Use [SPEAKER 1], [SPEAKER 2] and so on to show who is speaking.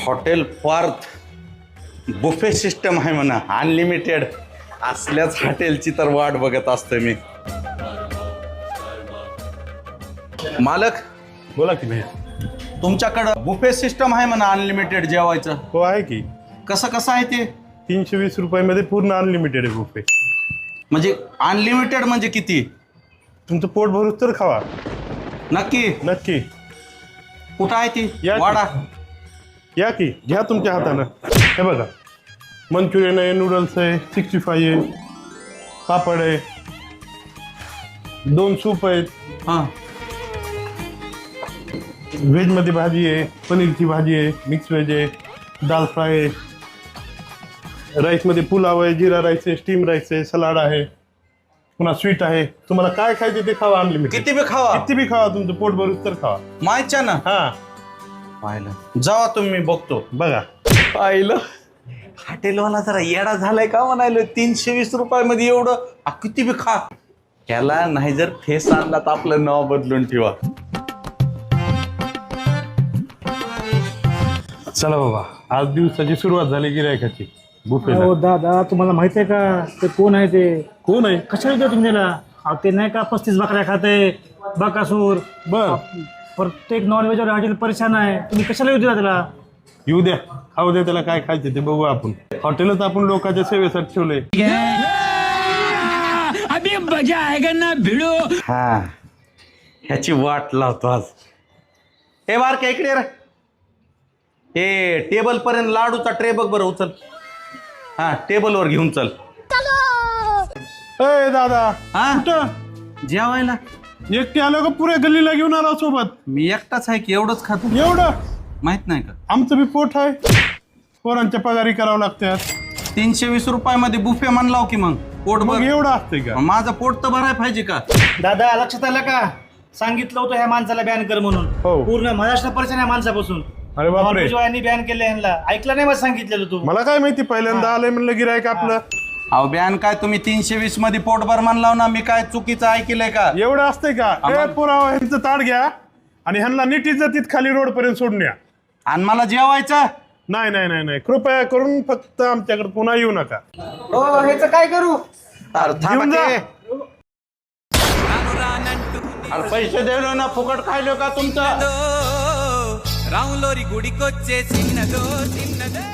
[SPEAKER 1] Hotel Parth buffet system आहे म्हणा, unlimited. असल्याच हॉटेलची तर वाट बघत असतोय मी. मालक
[SPEAKER 2] बोला की भैया.
[SPEAKER 1] तुमच्याकडं बुफे सिस्टम आहे म्हणा, अनलिमिटेड जेवायचं.
[SPEAKER 2] हो आहे की.
[SPEAKER 1] कसं आहे ते?
[SPEAKER 2] 320 रुपयामध्ये पूर्ण अनलिमिटेड आहे बुफे.
[SPEAKER 1] म्हणजे अनलिमिटेड म्हणजे किती?
[SPEAKER 2] तुमचं पोट भरूच तर खावा.
[SPEAKER 1] नक्की?
[SPEAKER 2] नक्की
[SPEAKER 1] कुठं आहे ती
[SPEAKER 2] या की.
[SPEAKER 1] वाडा?
[SPEAKER 2] या की, घ्या तुमच्या हातानं. हे बघा, मंचुरियन आहे, नूडल्स आहे, 65 आहे, पापड आहे, 2 सूप आहेत,
[SPEAKER 1] हां.
[SPEAKER 2] व्हेजमध्ये भाजी आहे, पनीरची भाजी आहे, मिक्स व्हेज आहे, दाल फ्राय आहे, राईसमध्ये पुलाव आहे, जिरा राईस आहे, स्टीम राईस आहे, सलाड आहे, पुन्हा स्वीट आहे. तुम्हाला काय खायचे ते खावा अनलिमिटेड.
[SPEAKER 1] किती बी खावा.
[SPEAKER 2] किती बी खावा, तुमचं पोट भरूच तर खावा.
[SPEAKER 1] माहितच्या ना.
[SPEAKER 2] हा
[SPEAKER 1] पाहिलं जावा तुम्ही, बघतो.
[SPEAKER 2] बघा.
[SPEAKER 1] पाहिलं हॉटेलवाला जरा येडा झालाय का म्हणायला. 320 रुपयामध्ये एवढं किती बी खा. त्याला नाही जर फेस आणला तर आपलं नाव बदलून ठेवा.
[SPEAKER 2] चला बाबा, आज दिवसाची सुरुवात झाली गिरायकाची बुफेला.
[SPEAKER 3] हो दादा, तुम्हाला माहिती आहे का ते कोण आहे? ते
[SPEAKER 2] कोण आहे?
[SPEAKER 3] कशाला देतो तुम्ही त्याला? अहो, ते नाही का 35 बकऱ्या खाते बकासूर.
[SPEAKER 2] बर,
[SPEAKER 3] प्रत्येक नॉनव्हेजवर हॉटेल परेशान आहे. तुम्ही कशाला येऊ द्या त्याला?
[SPEAKER 2] येऊ द्या, खाऊ द्या, त्याला काय खायचं ते बघू आपण. हॉटेलच आपण लोकांच्या सेवेसाठी ठेवलंय.
[SPEAKER 4] अभी मजा आएगा ना भिड़ो.
[SPEAKER 1] हा, ह्याची वाट लावतो आज. हे बार का इकडे रे. हे टेबल पर्यंत लाडूचा ट्रे बघ बरं, उचल. हा, टेबलवर घेऊन चल.
[SPEAKER 2] ए दादा,
[SPEAKER 1] हा,
[SPEAKER 2] कुठं
[SPEAKER 1] जेवायला
[SPEAKER 2] एकटे आलो का पुऱ्या गल्लीला घेऊन आला सोबत?
[SPEAKER 1] मी एकटाच आहे की, एवढंच खातो.
[SPEAKER 2] एवढं
[SPEAKER 1] माहित नाही का?
[SPEAKER 2] आमचं बी पोट आहे, पोरांच्या पगारी करावं लागतात.
[SPEAKER 1] 320 रुपयामध्ये बुफे म्हणलाव की मग पोट
[SPEAKER 2] मग
[SPEAKER 1] बघ.
[SPEAKER 2] एवढं असतंय का?
[SPEAKER 1] माझं पोट तर भराय पाहिजे का?
[SPEAKER 3] दादा, लक्षात आलं का? सांगितलं होतं ह्या माणसाला बॅन कर म्हणून.
[SPEAKER 2] हो.
[SPEAKER 3] पूर्ण महाराष्ट्र परेशान आहे माणसापासून.
[SPEAKER 2] अरे बापरे,
[SPEAKER 3] यांनी बॅन केलं यांना. ऐकलं नाही? मला सांगितलेलं तू.
[SPEAKER 2] मला काय माहिती, पहिल्यांदा आलंय म्हणलं गिरायक आपलं.
[SPEAKER 1] अहो बॅन काय, तुम्ही 320 मध्ये पोटभर म्हणलाव ना. मी काय चुकीचं ऐकलंय का?
[SPEAKER 2] एवढं असतंय का? ए पुरावा, ह्यांचं ताट घ्या आणि ह्यांना नीट इज्जतीत खाली रोड पर्यंत सोडून या.
[SPEAKER 1] आणि मला जेवायचं.
[SPEAKER 2] नाही नाही नाही नाही, कृपया करून फक्त आमच्याकडे पुन्हा येऊ नका.
[SPEAKER 3] हो, ह्याचं काय करू?
[SPEAKER 1] अरे थांबा
[SPEAKER 2] घेऊन जा.
[SPEAKER 1] की. अरे पैसे देलो ना, फुकट खायलो का तुमचं?
[SPEAKER 4] राउलोरी गुड़ी कोच्चे सिन्नदो सिन्नदो.